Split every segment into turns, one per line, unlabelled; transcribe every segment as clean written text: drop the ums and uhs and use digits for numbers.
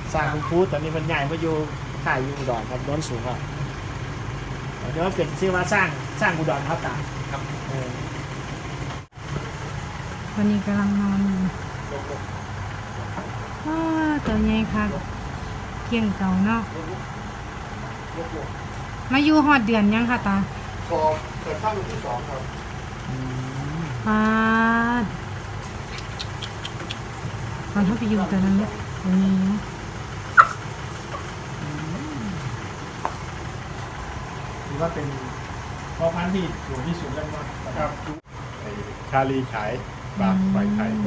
สร้างคุณครูตอนนี้มันใหญ่มาอยู่ข่ายอยู่อุดรครับโน้นสูงครับเดี๋ยวเป็นชื่อว่าสร้างอุดรครับตาครับ
วันนี้กำลังนอนอยู่ตัวใหญ่ค่ะเกี่ยงเก่าเนาะมาอยู่หอดเดือนยังค่ะตา
พอเปิดข้างที่2ครับ
ปาดตอนถ้าไปอยู่แต่นั้นเนี่ยตัวนี้
หรือว่าเป็นพ่อพันธุ์ที่สูงที่สุดแล้ว
ครับชาลีฉายบาทไฟไทย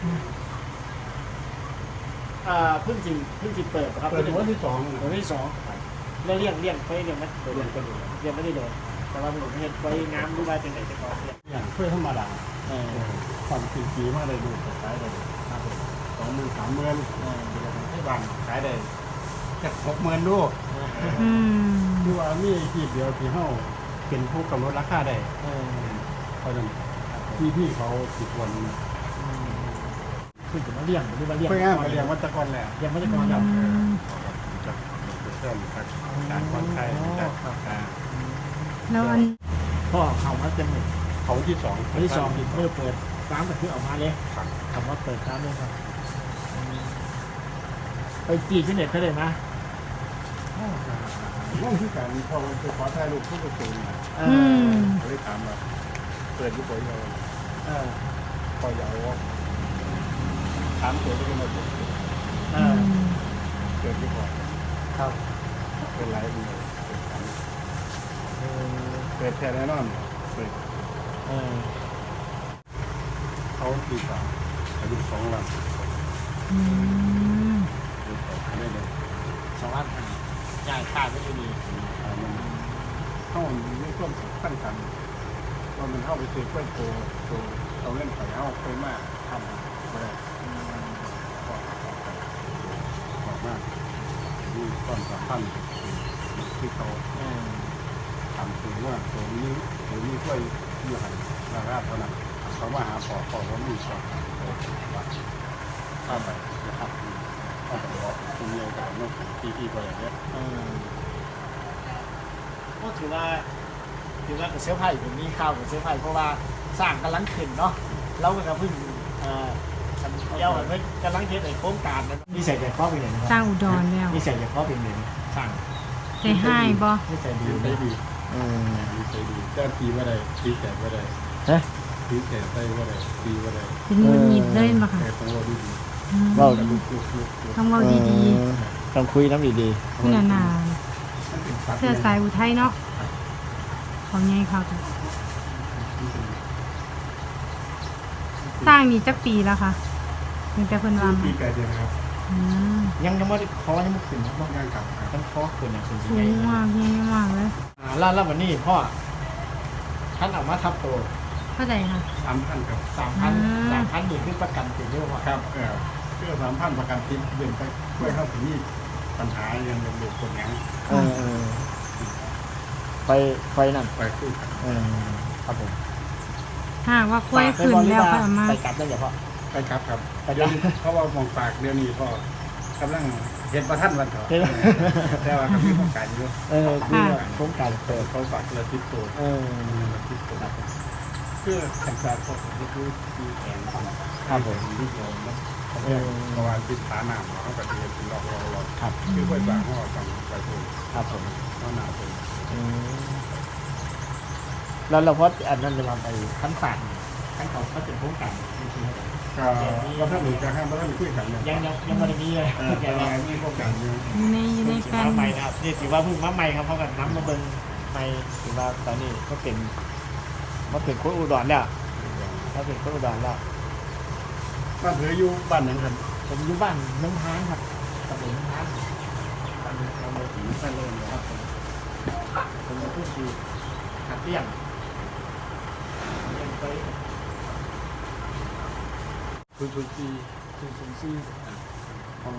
เพิ่งจิเปิดครับ
เปิดวันที่2
วันที่2แล้วเลี้ยงไปเลี้ยงไม่เลี้ยงไม่ได้โดนแต่ว่าผมเห็นไว้น้ำรู้ว่าเป็นไหนจะก่อนเนี่ย
อย่างเพื่อธรรมดาความจริงปีมาได้ดูขายได้20,000-30,000ให้บ้านขายได้แค่60,000ดูดูว่ามีที่เดียวที่เฮาเป็นผู้กำหนดราคาได้เพราะฉะนั้นพี่เขาสิบวัน
คือจะมาเลี้ยงหรือมาเลี้ยง
เพื่อมาเลี้ยงวัตกรแหละ
เลี้ยงวัตกรแล้ว
จากเพื่อนการคอนไทยจาก
แล้วอัน
พ่อเขามาเต็มเลย
เขาที่2
เมื่อเปิดร้านก็คือออกมาเลยคำว่าเปิดร้านเลยครับไปจีบที่เน็ตเขาเลยนะ
ว่างที่การพอมันไปขอถ่ายรูปผู้ประสงค์เขาได้ถามว่าเปิดที่ปอยเราปอยเอาถามตัวที่มาเปิดที่ปอย
ครับ
เป็นไรเปิดแค่แน่นอนเปิดเขาตีสามอายุ2 วันไม่เลย
2 วันใหญ่ขาดไม่ดี
เข้าไม่ร่วมตั้งกันตอนมันเข้าไปซื้อกล้วยโตเอาเล่นไข่เข้าไปมากทำไม่ได้บอกมากนี่ต้นสำคัญที่เขาทำถึงว่าตัวนี้กล้วยอยู่หันราบเท่านั้นเขาว่าหาปอว่ามีชอบข้ามไปนะครับข้ามไปบอกคุณเลี้ยงกับน้องพี่ไปอย่างเงี้ย
ก็ถือว่ากับเสื้อผ้าผมมีข่าวกับเสื้อผ้าเพราะว่าสร้างกำลังขึ้นเนาะเราก็เพิ่งเย้าเพิ่งกำลังเฮ็ดไอ้โครงการนั้นนี่ใส่ใจข้อเป็นอย่างไร
สร้างอุดรแล้ว
นี่ใส่ใจข้อเป็นอย่างสร้าง
ใจให้บ่
นี่ใส่ดี
ใจดีแจ้งปีว่าใดปีแสนว่าใดปีแสนได้ว่าใดปีว่าใด
เป็นมือหยิบเลยมาค่ะ
ต้องว่าดี
ๆว่า
ต้องว่าดี
ๆต้องคุยน้ำดี
ๆคุณนานเสื้อสายอุทัยเนาะของไงเขาสร้างนี่จักปีแล้วค่ะตั้งแต่เพิ่นวาง
ปีไก่เดียวครับ
ยังไม่ได้คอยังไม่ขึ้นครับ
ต้องยังกับ
ต้องคอขึ้นอย่างสูง
สูงมากใหญ่มากเลย
แล้ววันนี้พ่อท่านออกมาทับตัว
เท่าไหร่ค่ะ
3,000ครับ
3,000อยู่ที่ประกันติดเยอะกว่า
ครับเพื่อ3,000ประกันติดเดือนไปเพื่อเข้าถึงนี่ปัญหายังเป็นเรื่องคนยัง
ไปนั่น
ไปคุย
ครับผม
ถ้าว่าคุยขึ้นแล้วก็มา
ไปกลับได้อย่าพ่อ
ไปครับเดี๋ยวเขาว่ามองปากเดี๋ยวนี้พ่อกำลังเห็นประทันวันเถอะแต่ว่าก็มีโครงการอยู่
คือโครงการเปิด
เขาฝากระติดตัวติดตัวเพื่อการสร้างพวกนี้คือมีแผน
ครับผม
ที่โยมนะประมาณติดฐานหนามเขาก็จะเรียนเป็นรอบ
ครับ
คือค่อยบางห้อสั่งไปตัว
ครับผม
ห้อหนาตัว
แล้วเราพออันนั้นจะมาไปขั้นฝากขั้นเขาเป็นโครงการจริงๆ
ก็ถ้าหนูจะห้ามก็ต้องมีคุยกัน
ยังไม่ได้มีเลย
มีโครงการอยู่
ในแฟน
ใหม่นะครับนี่ถือว่าเพิ่งมาใหม่ครับเพราะกันน้ำมาเบิ้งใหม่ถือว่าตอนนี้ก็เป็นโค้ดอุดรแล้วถ้าเป็นโค้ดอุดรแล้ว
บ้านเธออยู่บ้านไหนครับ
ผมอยู่บ้านน้องทานครับตำบลน้องทานบ้านเราเลยถึงบ้านเลยครับผมพูดดีหัดเลี้ยงไป
คุณซี
ของ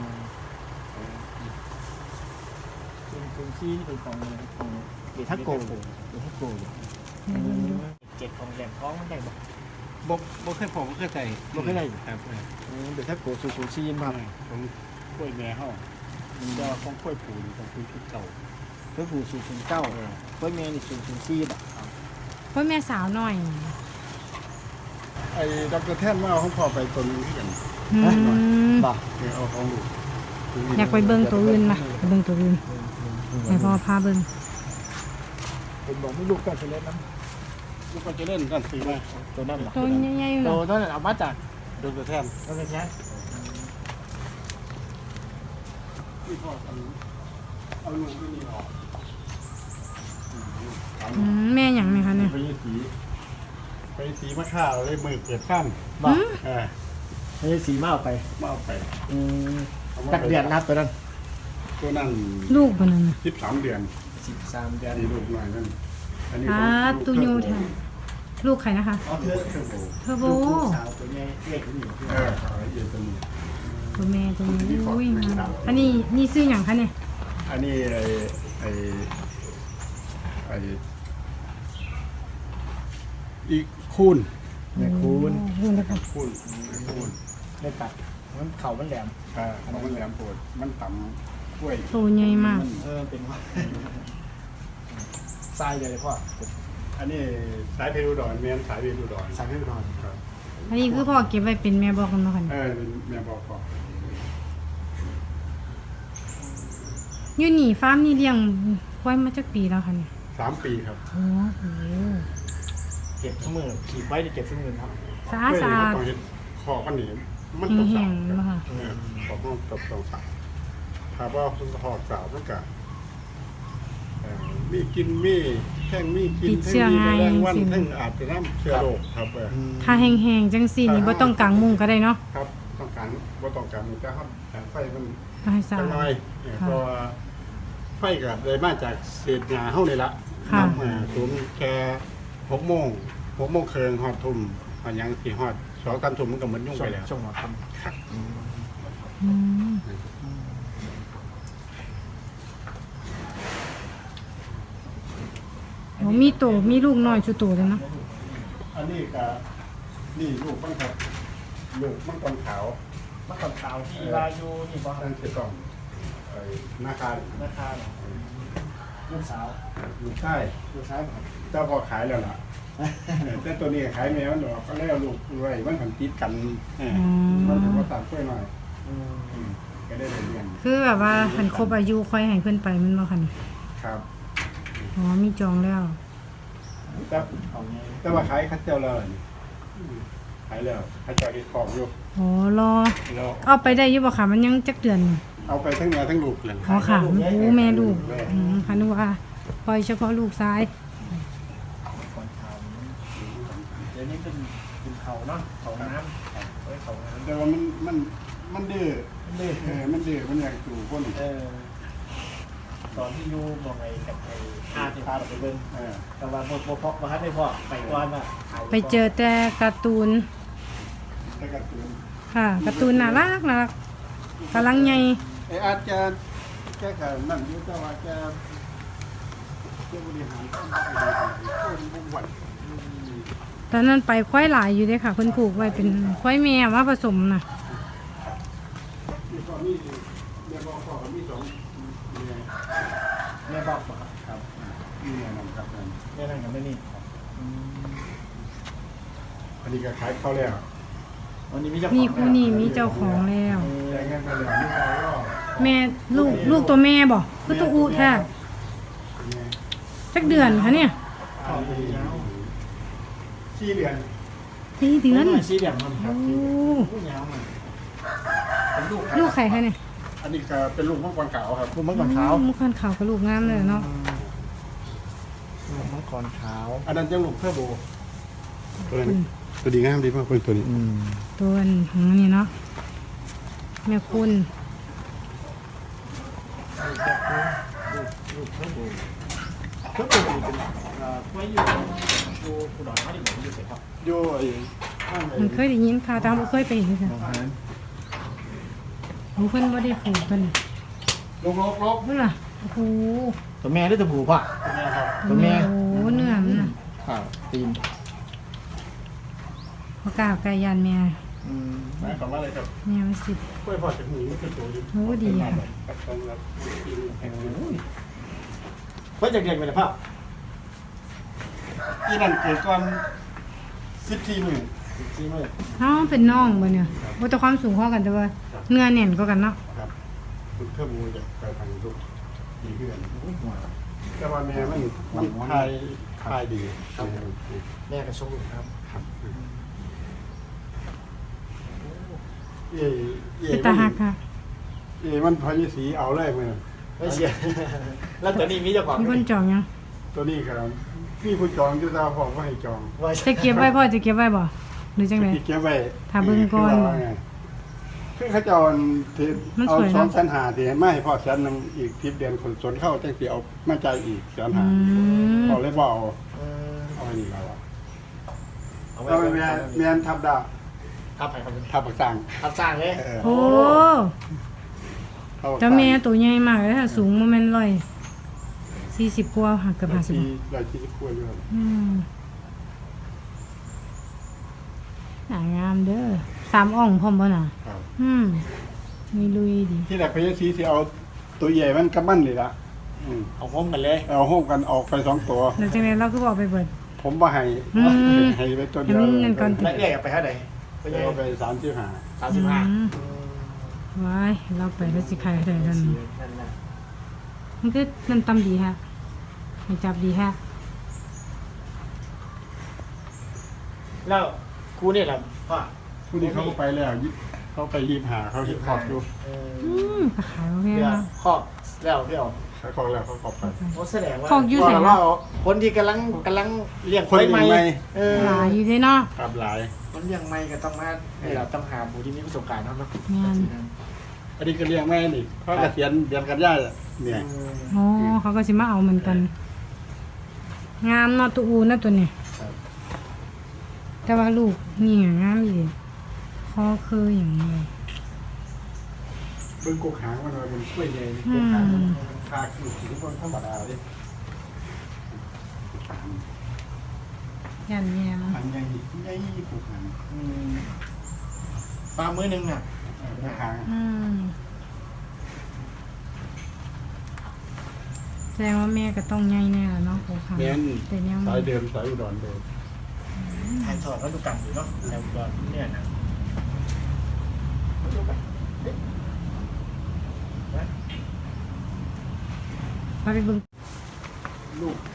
คุณซีนี่เป็นของเดทักโก7ของแหลมท้องมันได้
บ่เคยผมบ่เคยใส่
บ่เคยได้
ครับ
เดทักโกซูซีมา
ผมกล้วยแม่เฮาจะของกล้วยผูนี่ต้องคุยชุดเก่า
เพื่อผู้สูงสูงเก้าเพื่อแม่นี่สูงสูงสี่บาท
เพราะแม่สาวหน่อย
ไอ้ดรแท่นมาเอาของพ่อไปตัวนึงที่กัน
อืม
บาท
เอาของลูก
อยากไปเบิ่งตัวอื่นมาไปเบิ่งตัวอื่นให้พ่อพาเบิ่ง
ผมบอกไม่ลูกก็จะเล่นน้
ลูกก็จะเล่นกันซื้อมา
ำตัวนั่นหรอ
ตัวใหญ่ๆอยู่
ตัว
เนาะ
นั้นเอามาจาก
ดรแท่น
ตัวนี้แค่
ที่พ่อเอาลูกที่นี่ออก
แม่หยังไหมคะเนี่ย
ไปสีมะข่าวเลยมือเกิดข้าม
บาท
เออ
ไม่ใช่สีมาเอาไป
มาเอาไป
ตักเดือนนับตัวนั้น
ตัวนั้น
ลูกบ่นั่นน่ะ
13 เดือน
13 เดือน
นี่ลูกหน่อยนั่นอันนี้
ตูยูแท้ลูกใครนะคะ
เอาเธอ
เทอร์โบ
เทอร์โบ
ลูกสาวตัวนี้เล็กอยู่
เออเอาละเอียดตัวนี้
ตัวแม่ตัวนี้อุ้ยงามอันนี้นี่ซื้อหยังคะเนี่ย
อันนี้ไอ้อีกคูณ
แม่คูณ
โอ้โหแล้วก็
คูณ
ได้ตัดมันเข่ามันแหลม
มันแหลมปวดมันต่ำกล้วย
ตัวใหญ่มาก
เป็นว่าทรายเลยพ่อ
อันนี้สายเพลูดอนเมียนสายเพลูดอน
ทรายให้นอน
ครับ
อันนี้คือพ่อเก็บไว้เป็นแม่บอกกันเนาะค่ะ
เป็นแม่บอกก่อน
อยู่นี่ฟาร์มนี่เลี้ยงควายมาจักปีแล้วค่ะเนี่ย
3 ปีครับ
โอ้โห
เก็บเสมอขีดไว้จะเก็บเสมอครับ
สะอาดสะอาด
ต้องเห็นขอบมันหนีมันต้อง
แห้
สาง ว
ๆเนาะค่ะ
ขอบมันต้องสาวถ้าว่าคุณหอดสาวมันก็มีกินมีแข้งมีกิน
ติดเชื้อ
มี
ง่าย
แรงวัน
สิ
ทั้งอาจจะน้ำเชื้อโรคครับ
ถ้าแห้งๆจังซี่นี่บ่ต้องกางมุ้งก็ได้เนาะ
ครับต้องการว่าต้องการมันจะครับแต่ไฟมัน
ก็ให้สะ
จั
อาง
น้อย
ค่ะ
เพราะว่าไฟก็เลยมาจากเศษหญ้าเฮานี่ละ
ค่ะ
สูงแค่6 โมงครึ่งฮอดทุ่มอันยังสิฮอด2-3 ทุ่มมันก็เหมือนยุ่งไปแล้ว
ช่วงหัวค่
ครับ
อืมโอ้มีโตมีลูกน้อยชุโตเลยเนาะ
อันนี้ก็นี่ลูกมันครับลูกมันกอนขาว
ำมะขามขาวที่ลายูนี่ป่ะ
นั่นคือต้องหน้าคา
ราคาลูกสาว
ลูกใต้
ลูกชายครับ
เจ้าพอขายแล้วล่ะแต่ตัวนี้ขายแมวมันดอกก็แล้วลูกไว้มันผันติดกันมันถือว่าต่างกล้วยหน่อยก็ได้เรียน
คือแบบว่าหันครบอายุค่อยให้เพิ่นไปมันบ่ค่ะนี่
ครับ
อ๋อมีจองแล้ว
แต่
เอาไง
แต่ว่าขายคัดเจ้าแล้วนี่ขายแล้วขายเจ้าเฮ็ดของอยู่
อ๋อรอ
แล้ว
เอาไปได้อยู่บ่ค่ะมันยังจักเดือนอยู่
เอาไปทั้งแม่ทั้งลูกเลย
อ๋อค่ะโอ้แม่ลูกค่ะนึกว่าปล่อยเฉพาะลูกซ้าย
ก่อนขาวเดี๋ยวนี้เป็นเขาเนาะเขาน้ำไว้เขาน้ำ
แต่ว่ามันดื้อ
เล่
มันดื้อมันอยากอยู่คน
ตอนที่ยูมองไงกับไอ้อาที่พาเราไปเบิ้ง
เออ
แต่ว่าพอมาฮัทไม่พอไปก่อนอ่ะ
ไปเจอแต่การ์ตูน
แต่การ์ตูน
ค่ะการ์ตูนน่ารักน่ารักกำลังใหญ่
อาจจะแก้กับนั่นอยู่แต่ว่าแกบริหารต้องบริหารคนบุกวัน
ตอนนั้นไปควายหลายอยู่เด้ค่ะเพิ่นผูกไว้เป็นควายแม่มาผสมน่ะ
ที่ตอนนี้เรียกว่าพ่อมี2เนี่ย
แม่บอกครับ
ครับเนี่ยนั่นครับนั่น
แม่นั่งกับแม่นี่
อันนี้ก็ขายเข้าแล้ว
วันนี้มีเจ้า
นี่คู่นี้มีเจ้าของแล้ว
แต่งานไปแล้วนี่เราก็
แม่ลูกตัวแม่บ่คือตัวอูแท้จักเดือนคะเนี่ย
4 เดือน
4 เดือน
สีเดียมมันค
โอ้
รับผู้ยาวมันเป็นลูก
ลูกไข่คะเนี่ย
อันนี้ก็เป็นลูกมังกรขาวครับ
ลูกมังกรขาว
มุกขันขาวกับลูกงามเลยเนาะ
ลูกมังกรขาว
อันนั้นจะลูกเทอร์โบตัวดีงามดีมากเป็นตัวนี้
ตัวของนี่เนาะแม่คุณ
ลูกเทอร์โบเทอร์โบเป็นไว้อยู่อุดรธานีหมดอยู่เสร็จครับ
โย่ไอ้ข้างไอ้
มันเคยได้ยินข่าวแต่บ่เคยไปเห็นค่ะโอ้เพิ่นบ่ได้ผูกกัน
ลบ
เพิ่นล่ะโอ้โห
ตัวแม่หรือตัวผู้ป่ะ
เนี่ยครับ
ตัวแม่
โอ้โหเนื้อมันน่ะ
ข่าวตีน
บ่กล้าไก่ยานแม่
หมายความว่าอะไรครับ
แม่มันสิ
กล้วยพอจากหูนี่คือตัวอยู่
โอ้ดีค่ะ
กับตรงรับกินแข็ง
เพิ่นจากเด็กเป็นภาพ
อีนั่นเกิดก่อน14มื้อ
จริงเลย
เอ้าเป็นน้องบ่เนี่ยบ่แต่ความสูงเท่ากันแต่ว่าเนื้อแน่นกว่ากันเนาะ
ครับคุณเทอร์โบจะไปทางลูกดีขึ้น
อุ้ยหัว
แต่ว่าแม่มันทายดีครับ
แม่กระชงอยู่ครับ
ครับเอ๋เอ๋
เป็นตาหักค่ะ
เอ๋มันพอยี่สีเอาเลยมั้ย
ไม่เชียร์แล้วตัวนี้มีเจ้าของ
มีคนจองยัง
ตัวนี้ครับพี่ผู้จองจะตาบอกว่าให้จอง
ว่า
จะเก็บไว้พ่อจะเก็บไว้บ่หรือจังได๋
ที่เก็บไว้
ถ้าเบิ่งก่อน
คือเขาจะเอาที่
มัน
เอา
สวยเนอะ
2,500ที่ให้มาให้พ่อแสนนึงอีก10เดือนคนสนเข้าจังสิเอามาจ่ายอีกแสน
อื
ห้าม เอาเลยบ่เอา
เออ
เอาอันนี้แล้วอะ
เอาไว้
เอาไปแม่นทับดา
ทับไปครับ
ทับปักสัง
ทับสร้างเลย
โอ้
ทับปัก
เจ้า
สัง
แม่ตัวใหญ่มากเลยถ้าสูงบ่แม่น140กว่าหักเกือบ50
140กว่าอยู่
หางามเด้อ3อ่องพร้อมบ่น่ะ
ครับ
มีลุยดี
ที่แรกพยาสีสิเอาตัวใหญ่มันกับมันเลยละ
เอาห้มกันเลย
เอาโฮมกันออกไป2ตัว
แล้วจังได๋เราคือบ่เอาไปเบิด
ผมบ่ให้
อืม
ให้ไปตัวเดียว
ให้มันนั่นก่อน
แล้วเรียกไปเท่าไหร่ไปยัง
เอาไป
35
ว้ายเราไปแล้วสิใครได้กัน
นั่นน่ะ
มันคือน้ำตำดีฮะให้จับดีฮะ
แล้วกูนี่แหละพ่อ
ผู้นี้เขาก็ไปแล้วเขาไป25เขาเฮ็ดคอกอยู่
ก็ขายโอเค
เดี๋ยว
เนาะ
ครอบแล้วพี่อ๋อ
เขาคอกแล้วเขาคอกไป
โอ้แสดงว่า
คอกอยู่ไส
ว่าคนที่กำลังเลี้ยงควายใหม่เออ
หลายอยู่เลยเนาะ
ครับหลาย
คนเลี้ยงใหม่ก็ต้องมาเราต้องหาผู้ที่มีประสบการณ์เนาะ
งาน
อันนี้ก็เลี้ยงแม่นี่เขาเกษียณเดือนกันยายนเนี่ย
อ๋อเขาก็สิมาเอาเหมือนกัน งามเนาะตัวอูนะตัวนี้แต่ว่าลูกนี่งามอีคอคืออย่างนี้
เบิ่งกกหางมันว่าเป็นกล้วยใหญ่กกหางมันคาคือสิคนธรรมดาเด้
ยันแยม
หางใหญ่ใหญ่กกหาง
ปลามือนึงน่ะ
กกหาง
แสดงว่าแม่ก็ต้องใหญ่แน่แล้วเนาะโอ้ค่ะ
แม่น
แต่ยัง
สายเดิมสายอุดรเดิม
ถ่ายทอดวัตถุกรรมอยู่เนาะแต่ก่อนเนี่ยนะ
พาไปเบิ่ง
ลูก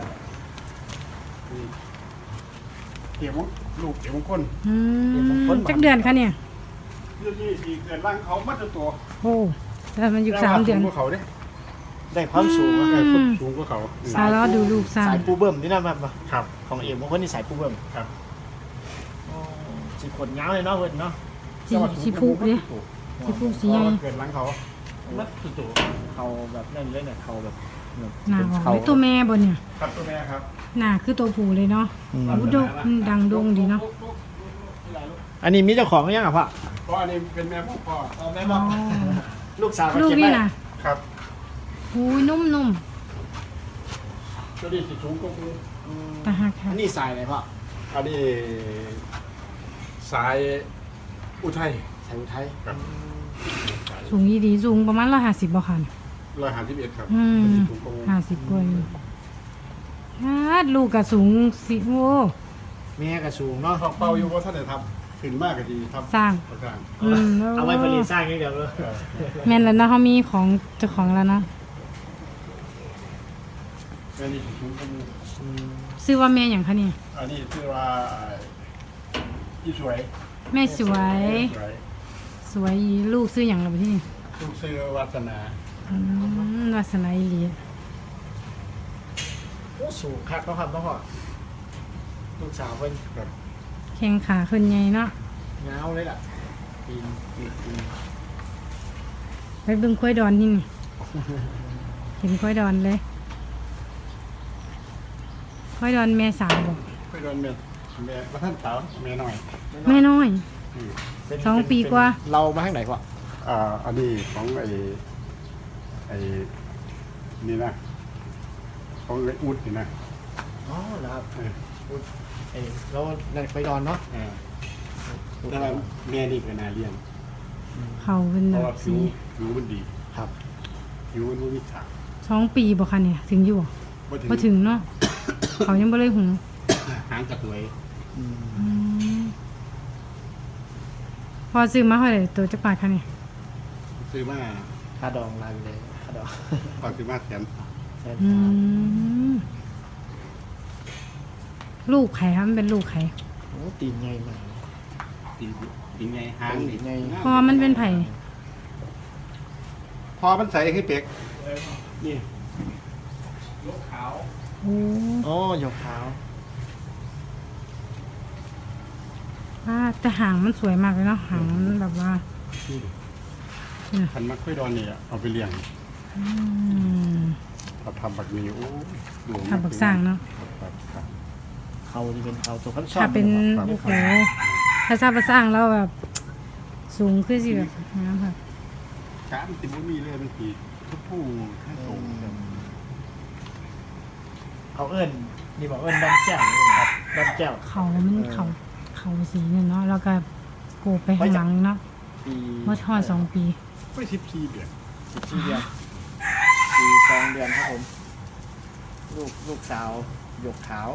เกี่ยวลูกเกี่ยวมงคล
จักเดือนคะเนี่ย
เรื่องนี้ที่เกิดร่างเขามัดตัว
โอ้แต่มันอยู่3 เดือน
สูงกว่าเขาเด้
ได้ความสูงอะ
สูงกว่าเขา
สายล้อดูลูกสร้าง
สายปูเบิ่มนี่นะแบบ
ครับ
ของเอ็มบางคนนี่สายปูเบิ่ม
ครับ
สีขนยาวเลยเนาะเพิ่นเนาะ
สีพุกดิสีพุกสีใหญ่
เกิดร่างเขามัดตัว
เขาแบบนั่นเลยเนี่ยเขาแบบ
หน้าออกเลยตัวแม่บ่เนี่ย
ครับตัวแม่ครับ
หน้าคือตัวผู้เลยเนาะอู้ดกดังดงดีเนาะ
อันนี้มีเจ้าของหรือยังอ่ะพ่อ
เพราะอันนี้เป็นแม่พ่อ
เอาแม่บอกลูกสาว
ลูกนี่น่ะ
ครับ
หูยนุ่ม
ตัวนี้สิสูงกว่ากู
ๆตาหักค่ะ
อันนี้สายไหนพ่อ
อันนี้สายอุทัย
สายอุทัย
ครับ
สูงอีดีสูงประมาณ150บ่คัน
151ครับ
อืม
ตัวนี้สูงกว่ากู
50กว่าอยู่ลูกก็สูงสิโอ้
แม่ก็สูงเนาะ
ทองเป่าอยู่ว่าท่านได้ทำขึ้นมากก็ดีทำ
สร้าง
สร้าง
เอาไว้ผลิตสร้างอย่างเดียวเลย
แม่นแล้วเนาะเขามีของเจ้าของแล้วเนาะ
อันนี้สิสูงกว่ากู
ชื่อว่าแม่หยังคะเนี่ย
อันนี้ชื่อว่าอีสวย
แม่สวย
สวย
สวยอีลูกซื้อหยังล่ะบ่ที่นี่
ลูกชื่อวัฒนา
วาสนาอีหลี
โอ้สูงคักเนาะครับเนาะพ่อลูกสาวเพิ่น
ครับ
แข้งขาขึ้นใหญ่เนาะ
เงาเลยล่ะปีน
ไปเบิ่งควายดอนนี่นี่ เห็นควายดอนเลยควายดอนแม่สาวบอก
ไปโดนแม่ว่าท่านสาวแม่น้อย
แม่น้อย
อืม
2 ปีกว่า
เรามาทางไหนพ่อ
อันนี้ของไอ้นี่นะของไอ้อุดนี่นะ
อ๋อเหรอครับ
เออ
เอ้ยเราในไปดอนเนาะ
เออแต่ว่าแม่นี่ก็น่าเลี้ยง
เขาเป็น
เพ
แบ
ราะว่า
บ
ผิ
สี
วผิวมันดี
ครับ
ผิวมันบ่มีฉาก
2 ปีบ่คะเนี่ยถึงอยู่บ่ถึงเนาะ เขายังบ่เลยหุง
หางกระตวย
อืม
อืมพอซื้อมาเท่าไหร่ตัวจักบาทคะเนี่ย
ซื้อมา
ค่าดองลายไปเลยค่าดอง
ตอนซื้อมาแสน
แสน
อื
สาม
มลูกไข่ครับมันเป็นลูกไข่
โอ้ตีนใหญ่มาก
ตีไงหางนี่
ไง
พอมันเป็นไผ่
พอมันใส่ให้เป็กนี่ลูกขาว
โอ้
โอ้หยกขาว
แต่หางมันสวยมากเลยเนาะหางมันแบบว่า
พันมักค่อยดอนนี่เอาไปเลี้ยง
อืม
เราทำบักนี้โอ้ดู
ทำบักสร้างเนาะ
ครับ
เขาที่เป็นเขาตัวพันช่อน
ถ้าเป็น
ครับ
โอ้โหถ้าทราบมาสร้างแล้วแบบ สูงขึ้นสิแบบน้ำค่ะ
ช้ามันติดบุมีเลยมันตีทุกผู้ให้ตรง
เขาเอิ้นนี่บอกเอิ้นดอนแก้วนี่ครับดอนแก้ว
เขามันเขาสีเนี่ยเนาะแล้วก็โกบไปข้างหลังเนาะ
ปี
เมื่อทอด2 ปี
ไม่14 เดือน
14 เดือนปี2 เดือนครับผม ลูกสาวหยกขาว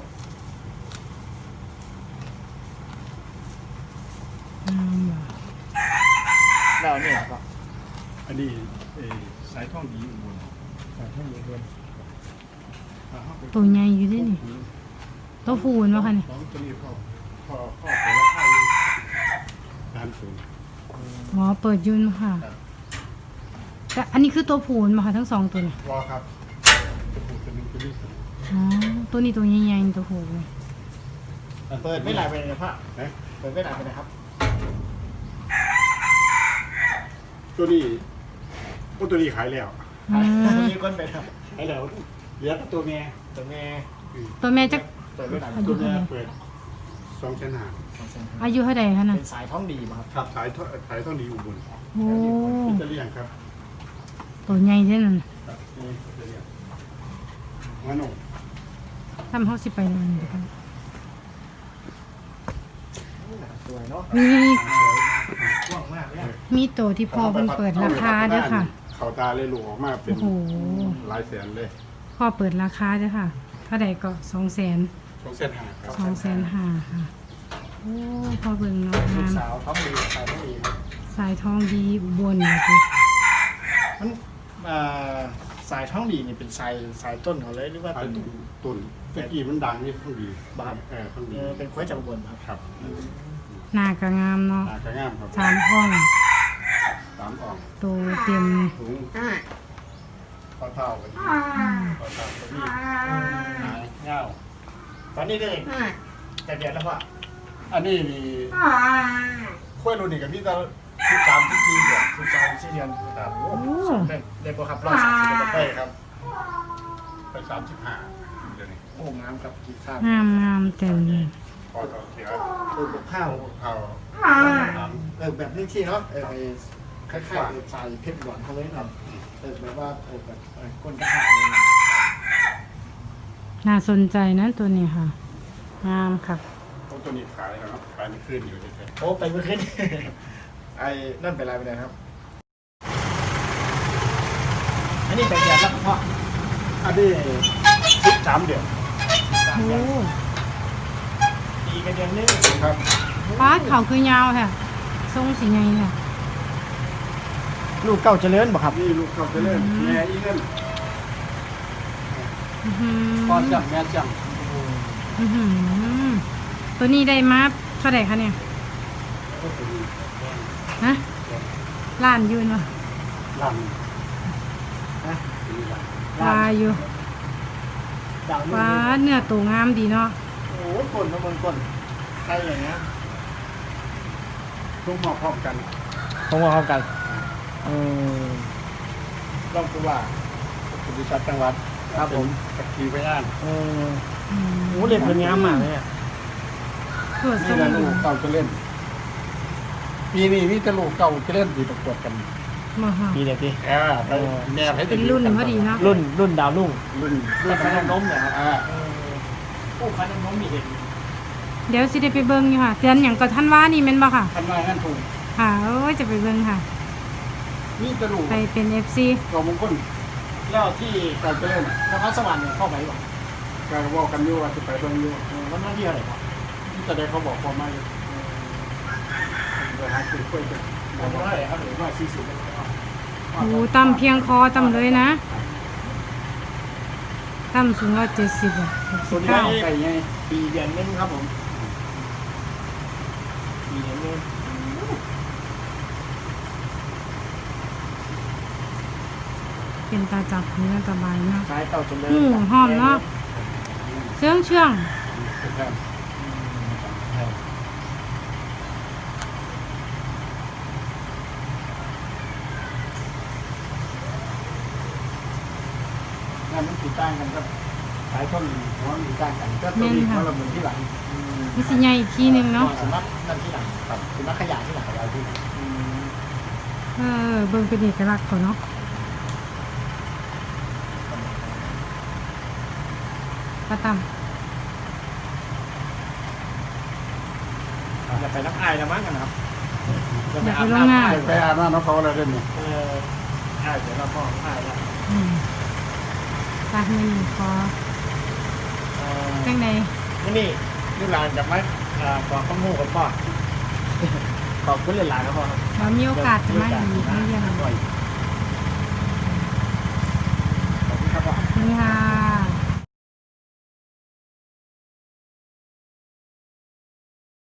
แล้วเนี่ยก็
อันนี้สายท่องดีอุบล
สายท่านเรียน
ตัวใหญ่อยู่ด้วยนี่ตัวผูนวะคะเนี่ย
ของตัวนี้พ่อเปิดราคาอยู่30
หมอเปิดยุนค่ะ แต่อันนี้คือตัวผูนมาค่ะทั้ง2 ตัวเนี่ย
รอครับจะพูดตัวนึงตัวนี้
อ๋อตัวนี้ตัวใหญ่ๆตัวผูเลย
เปิดไม่หลายไปเลยครับ
นะ
เปิดไม่หลายไปนะครับ
ตัวนี้ตัวนี้ขายแล้ว
อืม
มีคนไปครับ
ขายแล้วเหลือตัวแม่
ตัวแม่
ตัวแม่จะ
เปิดไม่หลาย
อายุ
ตัว
เท่า
แม่
ไหร่
เปิด2,500
อายุเท่าไหร่คะน่ะ
เป็นสายท้องดีป่ะครับ
ครับสายท่องดีอุบล
โอ้
อิตาเลียนครับ
ตัวใหญ่เท่านั้น
ครับนี่อิตาเลียนมาโน่
ทำเขาสิไปเลยเดี๋ยวกัน
สวยเนาะ
มี
กว้างมากเลย
มีตัวที่พ่อเพิ่งเปิดราคาด้วยค่ะ
เขาตาเลยหลวออกมาเป็น
โอ้โห
หลายแสนเลย
พ่อเปิดราคาด้วยค่ะเท่าใดก็200,000
2,500ครับ
250,000ค่ะโอ้พ่อเบิ่งเนาะ
ลู
งาก ม
สาวท้องดีสายท้องดีครับ
สายทองดีอุบลเนี่ยสิ
มันสายท้องดีนี่เป็นสายต้นเขาเลยหรือว่า
ขาย
เป็น
ต้นตะกี้มันดังนี่ท่องดี
บ้าน
ท่องดี
เป็นควายจากอุบลครับ
ครับ
หน้ากะงามเนาะ
หากระงามครับ
3อ่อง
3อ่อง
ตัวเต็ม
ถุงข้าวเท่ากันข้าวเท่ากันนี่หายเงา
ตอนนี้ได้แต่เดือนแล้วพ่อ
อันนี้นี่ข้วยรุ่นนี่กับพี่ตาที่3ที่4เดือน
13 4 เดือน
ครับ
โอ้
ได้ปะครับ130
ไป
ได้
ครับไป35เดี๋ยวนี้
โอ้งามกับกีข้าว
งามเต็มเลย
พอเสีย
กับข้าว
ข้าว
แบบนี้ที่เนาะคล้ายๆใส่เพชรหวานเขาเลยครับแบบว่าแบบก้นกระถางเลย
น่าสนใจนะตัวนี้ค่ะ งามค่ะ
ตัวนี้ขายแล้วครับขายไม่ขึ้นอยู่เฉย
โอ้ไปเมื่อคืน ไอ้นั่นเป็นไรไปไหนครับ อันนี้เป็นเดือนแล้วพ่อ
ๆอันนี้13เดือน
3
โอ้
เดือนปีกันเดือนนึง
ครับ
ป้าดเขาคือยาวค่ะทรงสีไงเนี่ย
ลูกเก่าเจริญบ่ครับ
นี่ลูกเขาจะเล่นแม่อีนั่น
อื้อหือ
พ่อจังแม่จัง
อื้อหือตัวนี้ได้มาเท่าไหร่คะเนี่ยฮะล้านยืนวะ
ล
นะ
ำ
วาอยู่
ดาว
ว้าเนื้อตัวงามดีเนาะ
โอ้ยก้นนะมันก้นใช่อย่างเงี้ย
ทุกหม้อพร้อมกัน
ต้องมาเข้ากันต้องคือว่า
คุณดิชัดจังหวัด
ครับผม
ตะกี้ไปอ่าน
โอ้เล่นเป็นงามมากเลยอ่ะ
ตรวจทร
นี่
ง
แหละลูกเก่าจะเล่นปีนี้มีแต่ลูกเก่าจะเล่นดีประกวดกัน
มาค่ะ
ปีเดียวพี่
ไปแนบให้
เป็นรุ่นพอดีเนาะ
รุ่นดาวรุ่ง
รุ่น
รุ่นฟันน้ำนมเนี่ยครับ
อ่า
ผู้ฟันน้ำนมมีเห็น
เดี๋ยวสิได้ไปเบิ่งอยู่ค่ะเดือนหยังก็ท่านว่านี่แม่นบ่ค่ะ
คันว่างั้นถูก
ค่ะโอ้ยจะไปเบิ่งค่ะ
นี่จะรู้
ไปเป็น FC
ตัวมงคล
แล้วที่
การเจริญ
นครสวรรค์เนี่ยเข้าไปบ่
การว่ากันอยู่ว่าจะไปเบิ่งอยู่
วันที่เท่าไหร่ครับ
ที่จะได้เขาบอกความมาอยู่เวลาคือคุยกัน
วันที่เท่าไหร่ครับหรือว่า40เลยครับ
โอ้ต่ำเพียงคอต่ำเลยนะต่ำสูง170อ่ะ
ส่วน
ข้าว
นี้
ไก่ไง
ปีเดือนนึงครับผมปีเดือนนึง
เป็นตาจับเนื้อตาใบเนาะ
ใช้เต่าจนเลย
หอมเนาะเชื่องเชื่อง
เป็นแค่
งานมันติดตั้งกันครับสายต้นหัวติดตั้งกันก็ตัวนี้หัวเราเหมือนที่หลัง
มีสิใหญ่อีกทีหนึงเนาะ
สำนักนั่นที่หลังครับสำนักขยะที่หลังขยะที่หลัง
เบิ่งเป็นเอกลักษณ์เขาเนาะปลาต่
อย่าไปนักอายนะมั้งกันครับ
ำอยากไปโรงงาน
ไปอาบน้ำน้องเขาอะไรเด่นนี่
อายเดี๋ยวเราพ่ออายแล้ว
ตาไม่มีคอจังใด
นี่ลูกหลานจะมาขอข้อมูลกับพ่อขอบคุณหลายๆครับพ่อ
เรามีโอกาสจะมาอีกไม่ยัง